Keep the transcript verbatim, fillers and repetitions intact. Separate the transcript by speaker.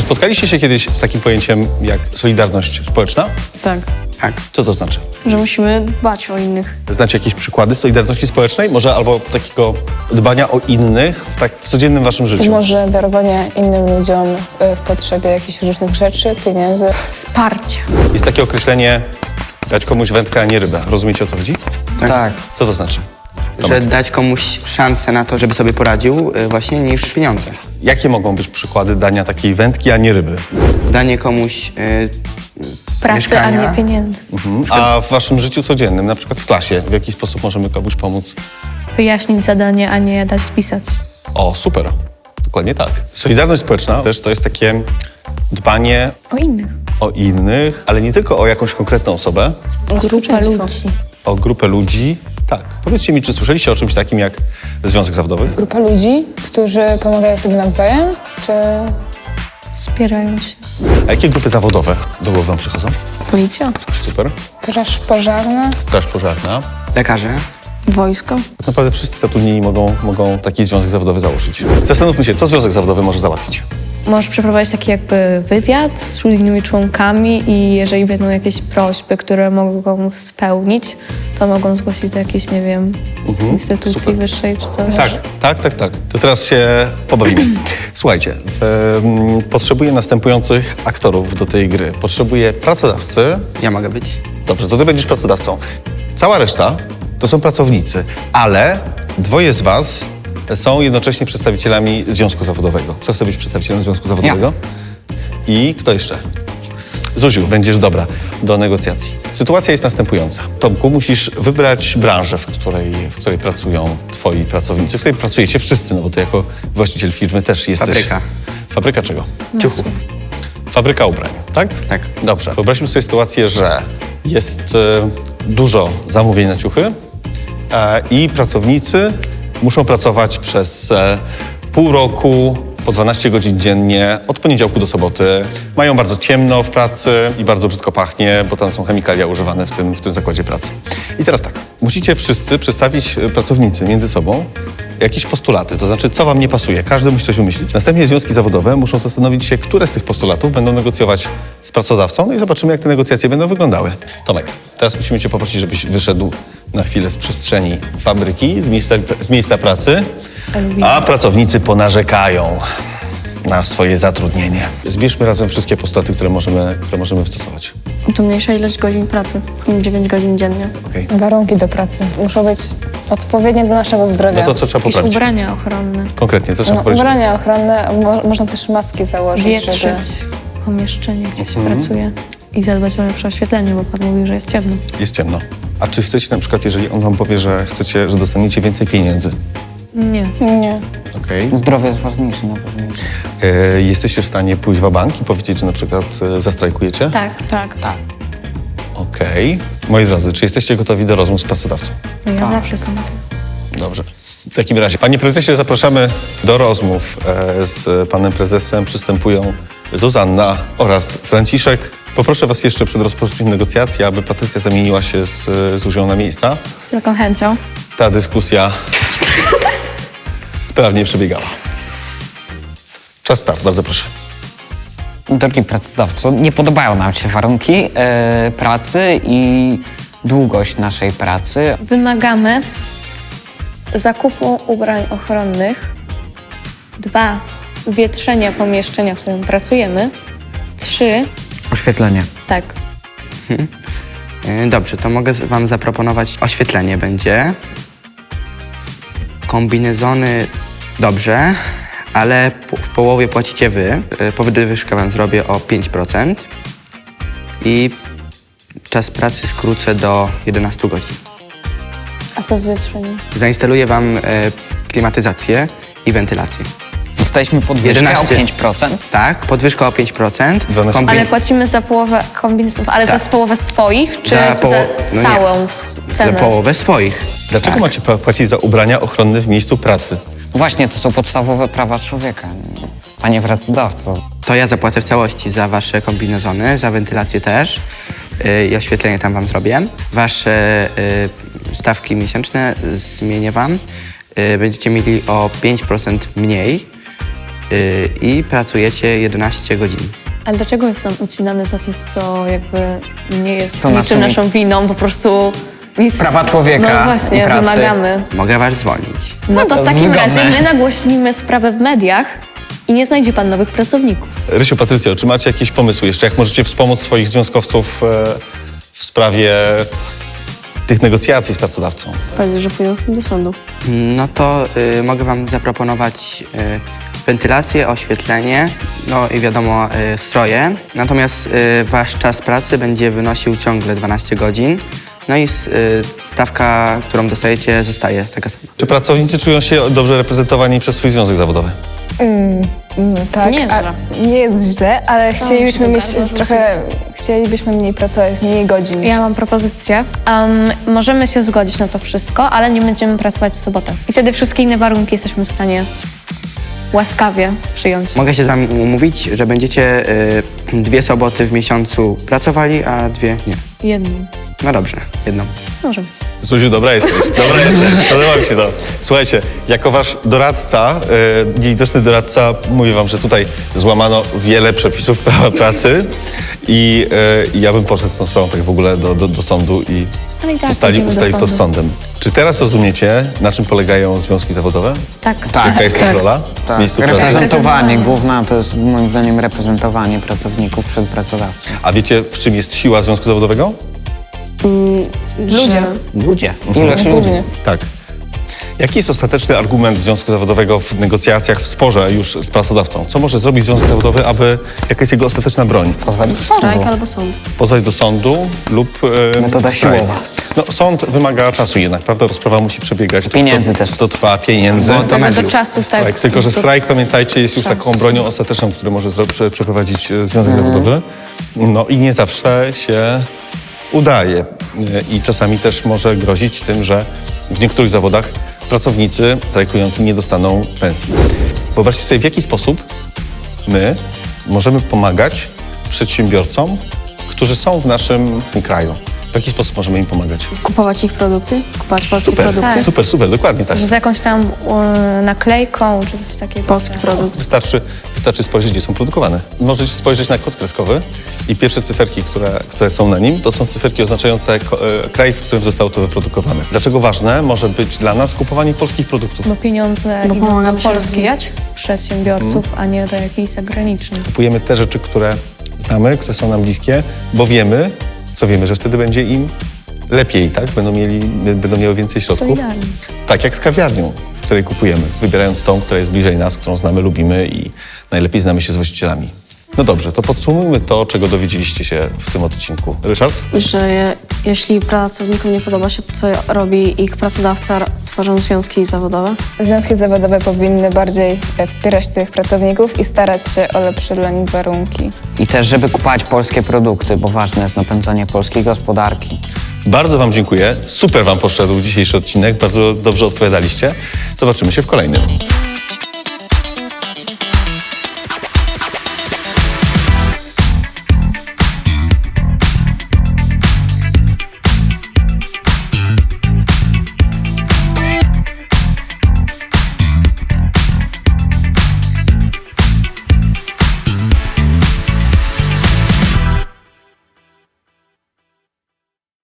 Speaker 1: spotkaliście się kiedyś z takim pojęciem jak solidarność społeczna?
Speaker 2: Tak,
Speaker 3: Tak.
Speaker 1: Co to znaczy?
Speaker 2: że musimy dbać o innych.
Speaker 1: Znacie jakieś przykłady solidarności społecznej? Może albo takiego dbania o innych w, tak, w codziennym waszym życiu?
Speaker 4: Może darowanie innym ludziom y, w potrzebie jakichś różnych rzeczy, pieniędzy.
Speaker 2: Wsparcia.
Speaker 1: Jest takie określenie dać komuś wędkę, a nie rybę. Rozumiecie, o co chodzi?
Speaker 3: Tak.
Speaker 5: Tak.
Speaker 1: Co to znaczy?
Speaker 3: Że dać komuś szansę na to, żeby sobie poradził y, właśnie niż pieniądze.
Speaker 1: Jakie mogą być przykłady dania takiej wędki, a nie ryby?
Speaker 3: Danie komuś y,
Speaker 2: Pracy, a
Speaker 3: mieszkania.
Speaker 2: nie pieniędzy.
Speaker 1: A w waszym życiu codziennym, na przykład w klasie, w jaki sposób możemy komuś pomóc?
Speaker 2: Wyjaśnić zadanie, a nie dać spisać.
Speaker 1: O, super. Dokładnie tak. Solidarność społeczna też to jest takie dbanie
Speaker 2: O innych.
Speaker 1: o innych, ale nie tylko o jakąś konkretną osobę,
Speaker 2: Grupa
Speaker 4: Społeczeństwo.
Speaker 2: ludzi.
Speaker 1: o grupę ludzi. Tak. Powiedzcie mi, czy słyszeliście o czymś takim jak związek zawodowy?
Speaker 4: Grupa ludzi, którzy pomagają sobie nawzajem, czy
Speaker 2: Wspierają się.
Speaker 1: A jakie grupy zawodowe do głowy wam przychodzą?
Speaker 2: Policja.
Speaker 1: Super.
Speaker 4: straż pożarna?
Speaker 1: Straż pożarna.
Speaker 3: Lekarze.
Speaker 2: Wojsko.
Speaker 1: Tak naprawdę wszyscy zatrudnieni mogą, mogą taki związek zawodowy założyć. Zastanówmy się, co związek zawodowy może załatwić.
Speaker 2: Możesz przeprowadzić taki jakby wywiad z innymi członkami i jeżeli będą jakieś prośby, które mogą spełnić, to mogą zgłosić do jakiejś, nie wiem, instytucji
Speaker 1: super.
Speaker 2: wyższej czy coś.
Speaker 1: Tak, tak, tak, tak. To teraz się pobawimy. Słuchajcie, em, potrzebuję następujących aktorów do tej gry. Potrzebuję pracodawcy.
Speaker 3: Ja mogę być.
Speaker 1: Dobrze, to ty będziesz pracodawcą. Cała reszta to są pracownicy, ale dwoje z was są jednocześnie przedstawicielami związku zawodowego. Kto chce być przedstawicielem związku zawodowego? I kto jeszcze? Zuziu, będziesz dobra do negocjacji. Sytuacja jest następująca. Tomku, musisz wybrać branżę, w której, w której pracują twoi pracownicy, w której pracujecie wszyscy, no bo ty jako właściciel firmy też jesteś...
Speaker 3: Fabryka.
Speaker 1: Fabryka czego?
Speaker 3: Ciuchów.
Speaker 1: Fabryka ubrań, tak?
Speaker 3: Tak.
Speaker 1: Dobrze. Wyobraźmy sobie sytuację, że jest e, dużo zamówień na ciuchy e, i pracownicy muszą pracować przez e, pół roku, po dwanaście godzin dziennie, od poniedziałku do soboty. Mają bardzo ciemno w pracy i bardzo brzydko pachnie, bo tam są chemikalia używane w tym, w tym zakładzie pracy. I teraz tak, musicie wszyscy przedstawić, e, pracownicy między sobą, jakieś postulaty, to znaczy co wam nie pasuje. Każdy musi coś wymyślić. Następnie związki zawodowe muszą zastanowić się, które z tych postulatów będą negocjować z pracodawcą, no i zobaczymy, jak te negocjacje będą wyglądały. Tomek, teraz musimy cię poprosić, żebyś wyszedł na chwilę z przestrzeni fabryki, z miejsca, z miejsca pracy, a pracownicy ponarzekają na swoje zatrudnienie. Zbierzmy razem wszystkie postulaty, które możemy, które możemy wystosować.
Speaker 2: To mniejsza ilość godzin pracy. dziewięć godzin dziennie.
Speaker 1: Okej.
Speaker 4: Warunki do pracy muszą być odpowiednie dla naszego zdrowia.
Speaker 1: No to co trzeba
Speaker 2: Jakieś
Speaker 1: poprawić?
Speaker 2: ubrania ochronne.
Speaker 1: Konkretnie, co trzeba
Speaker 4: No,
Speaker 1: poprawić?
Speaker 4: ubrania ochronne, mo można też maski założyć, żeby...
Speaker 2: Wietrzyć pomieszczenie, gdzie się pracuje i zadbać o lepsze oświetlenie, bo pan mówił, że jest ciemno.
Speaker 1: Jest ciemno. A czy chcecie na przykład, jeżeli on wam powie, że chcecie, że dostaniecie więcej pieniędzy,
Speaker 2: Nie.
Speaker 4: Nie.
Speaker 1: okej?
Speaker 5: Zdrowie jest ważniejsze na pewno.
Speaker 1: E, jesteście w stanie pójść w bank i powiedzieć, że na przykład e, zastrajkujecie?
Speaker 2: Tak.
Speaker 4: Tak.
Speaker 5: Tak.
Speaker 1: Okej. Moi drodzy, czy jesteście gotowi do rozmów z pracodawcą?
Speaker 2: No ja zawsze jestem.
Speaker 1: Dobrze. W takim razie, panie prezesie, zapraszamy do rozmów e, z panem prezesem. Przystępują Zuzanna oraz Franciszek. Poproszę was jeszcze przed rozpoczęciem negocjacji, aby Patrycja zamieniła się z Zuzią na miejsca.
Speaker 2: Z wielką chęcią.
Speaker 1: Ta dyskusja sprawnie przebiegała. Czas start, bardzo proszę.
Speaker 5: Drogi pracodawco, nie podobają nam się warunki e, pracy i długość naszej pracy.
Speaker 2: Wymagamy zakupu ubrań ochronnych. Dwa, wietrzenia pomieszczenia, w którym pracujemy. Trzy,
Speaker 5: Oświetlenie.
Speaker 2: tak,
Speaker 3: Y, Dobrze, to mogę z- wam zaproponować oświetlenie będzie. Kombinezony dobrze, ale po- w połowie płacicie wy. Y, Podwyżkę wam zrobię o pięć procent i czas pracy skrócę do jedenastu godzin.
Speaker 2: a co z wietrzeniem?
Speaker 3: Zainstaluję wam y, klimatyzację i wentylację.
Speaker 5: Dostaliśmy podwyżkę
Speaker 3: jedenaście.
Speaker 5: o pięć procent.
Speaker 3: Tak, podwyżka o pięć procent.
Speaker 1: dwanaście.
Speaker 3: Kombi-
Speaker 2: Ale płacimy za połowę kombinezonów, ale
Speaker 3: Tak.
Speaker 2: za połowę swoich, czy
Speaker 3: Za
Speaker 2: za,
Speaker 3: poło- no nie.
Speaker 2: całą w-
Speaker 3: Za
Speaker 2: cenę?
Speaker 3: połowę swoich.
Speaker 1: Dlaczego
Speaker 3: Tak.
Speaker 1: macie pa- płacić za ubrania ochronne w miejscu pracy?
Speaker 5: Właśnie, to są podstawowe prawa człowieka. Panie pracodawco.
Speaker 3: To ja zapłacę w całości za wasze kombinezony, za wentylację też yy, i oświetlenie tam wam zrobię. Wasze yy, stawki miesięczne zmienię wam. Yy, będziecie mieli o pięć procent mniej y, i pracujecie jedenaście godzin.
Speaker 2: Ale dlaczego jest nam ucinane za coś, co jakby nie jest
Speaker 5: Co
Speaker 2: niczym
Speaker 5: naszą-
Speaker 2: naszą winą, po prostu nic...
Speaker 5: Prawa człowieka
Speaker 2: No
Speaker 5: i
Speaker 2: właśnie,
Speaker 5: pracy.
Speaker 2: wymagamy.
Speaker 3: Mogę was zwolnić.
Speaker 2: No to w takim
Speaker 5: wygodne.
Speaker 2: razie my nagłośnimy sprawę w mediach i nie znajdzie pan nowych pracowników.
Speaker 1: Rysiu, Patrycjo, czy macie jakieś pomysły jeszcze, jak możecie wspomóc swoich związkowców e, w sprawie tych negocjacji z pracodawcą?
Speaker 6: Powiedz, że pójdą z tym do sądu.
Speaker 3: No to y, mogę wam zaproponować y, wentylację, oświetlenie, no i wiadomo y, stroje. Natomiast y, wasz czas pracy będzie wynosił ciągle dwanaście godzin. No i s- y, stawka, którą dostajecie, zostaje taka sama.
Speaker 1: Czy pracownicy czują się dobrze reprezentowani przez swój związek zawodowy?
Speaker 4: Mm, tak,
Speaker 2: Nie jest
Speaker 4: a-
Speaker 2: źle.
Speaker 4: nie jest źle, ale chcielibyśmy
Speaker 2: się
Speaker 4: mieć
Speaker 2: to gardło
Speaker 4: trochę, chcielibyśmy mniej pracować, mniej godzin.
Speaker 2: Ja mam propozycję. Um, możemy się zgodzić na to wszystko, ale nie będziemy pracować w sobotę. I wtedy wszystkie inne warunki jesteśmy w stanie łaskawie przyjąć.
Speaker 3: Mogę się z wami umówić, że będziecie y, dwie soboty w miesiącu pracowali, a dwie nie.
Speaker 2: Jedną.
Speaker 3: No dobrze, jedną.
Speaker 2: Może być.
Speaker 1: Zuziu, dobra jesteś, dobra jesteś, podoba mi się to. Słuchajcie, jako wasz doradca, e, niewidoczny doradca, mówię wam, że tutaj złamano wiele przepisów prawa pracy i e, ja bym poszedł z tą sprawą tak w ogóle do, do, do sądu i
Speaker 2: Ale i tak
Speaker 1: ustali,
Speaker 2: pójdziemy do
Speaker 1: ustali to z
Speaker 2: sądu.
Speaker 1: sądem. Czy teraz rozumiecie, na czym polegają związki zawodowe?
Speaker 2: Tak.
Speaker 5: Tak.
Speaker 1: Jaka jest ich rola w miejscu pracy?
Speaker 5: Reprezentowanie, główna to jest moim zdaniem reprezentowanie pracowników przed pracodawcą.
Speaker 1: A wiecie, w czym jest siła związku zawodowego?
Speaker 2: Ludzie.
Speaker 5: Ludzie. Ilość ludzi.
Speaker 1: Tak. Jaki jest ostateczny argument związku zawodowego w negocjacjach, w sporze już z pracodawcą? Co może zrobić związek zawodowy, aby... Jaka jest jego ostateczna broń?
Speaker 5: Pozwać do
Speaker 6: Strajk
Speaker 5: sądu.
Speaker 6: albo sąd.
Speaker 1: Pozwać do sądu lub... E,
Speaker 5: Metoda
Speaker 1: strajk.
Speaker 5: siłowa.
Speaker 1: No, sąd wymaga czasu jednak, prawda? Rozprawa musi przebiegać.
Speaker 5: Pieniędzy
Speaker 1: to,
Speaker 5: też.
Speaker 1: To trwa pieniędzy.
Speaker 3: Bo to
Speaker 2: Tylko
Speaker 3: mediów.
Speaker 2: do czasu
Speaker 1: Strajk.
Speaker 2: tak.
Speaker 1: Tylko, że strajk, pamiętajcie, jest już
Speaker 2: Czas.
Speaker 1: taką bronią ostateczną, który może zro- prze, przeprowadzić e, związek
Speaker 5: Mhm.
Speaker 1: zawodowy. No i nie zawsze się udaje. E, I czasami też może grozić tym, że w niektórych zawodach pracownicy strajkujący nie dostaną pensji. Wyobraźcie sobie, w jaki sposób my możemy pomagać przedsiębiorcom, którzy są w naszym kraju. W jaki sposób możemy im pomagać?
Speaker 6: Kupować ich produkty, kupować polskie
Speaker 1: Super,
Speaker 6: produkty.
Speaker 2: Tak.
Speaker 1: super, super, dokładnie tak.
Speaker 2: Z jakąś tam e, naklejką czy coś takiego.
Speaker 6: Polski produkt.
Speaker 1: Wystarczy, wystarczy spojrzeć, gdzie są produkowane. Możecie spojrzeć na kod kreskowy i pierwsze cyferki, które, które są na nim, to są cyferki oznaczające ko- e, kraj, w którym zostało to wyprodukowane. Dlaczego ważne może być dla nas kupowanie polskich produktów?
Speaker 2: Bo pieniądze
Speaker 6: Bo
Speaker 2: idą
Speaker 6: pomagamy
Speaker 2: do
Speaker 6: się
Speaker 2: polskich
Speaker 6: rozwijać.
Speaker 2: przedsiębiorców, a nie do jakichś zagranicznych.
Speaker 1: Kupujemy te rzeczy, które znamy, które są nam bliskie, bo wiemy, co wiemy, że wtedy będzie im lepiej, tak? Będą, mieli, będą miały więcej środków.
Speaker 2: Solidarnie.
Speaker 1: Tak jak z kawiarnią, w której kupujemy, wybierając tą, która jest bliżej nas, którą znamy, lubimy i najlepiej znamy się z właścicielami. No dobrze, to podsumujmy to, czego dowiedzieliście się w tym odcinku. Ryszard?
Speaker 6: Że je, jeśli pracownikom nie podoba się to, co robi ich pracodawca, r- tworzą związki zawodowe.
Speaker 4: Związki zawodowe powinny bardziej e, wspierać tych pracowników i starać się o lepsze dla nich warunki.
Speaker 5: I też, żeby kupować polskie produkty, bo ważne jest napędzanie polskiej gospodarki.
Speaker 1: Bardzo wam dziękuję. Super wam poszedł dzisiejszy odcinek. Bardzo dobrze odpowiadaliście. Zobaczymy się w kolejnym.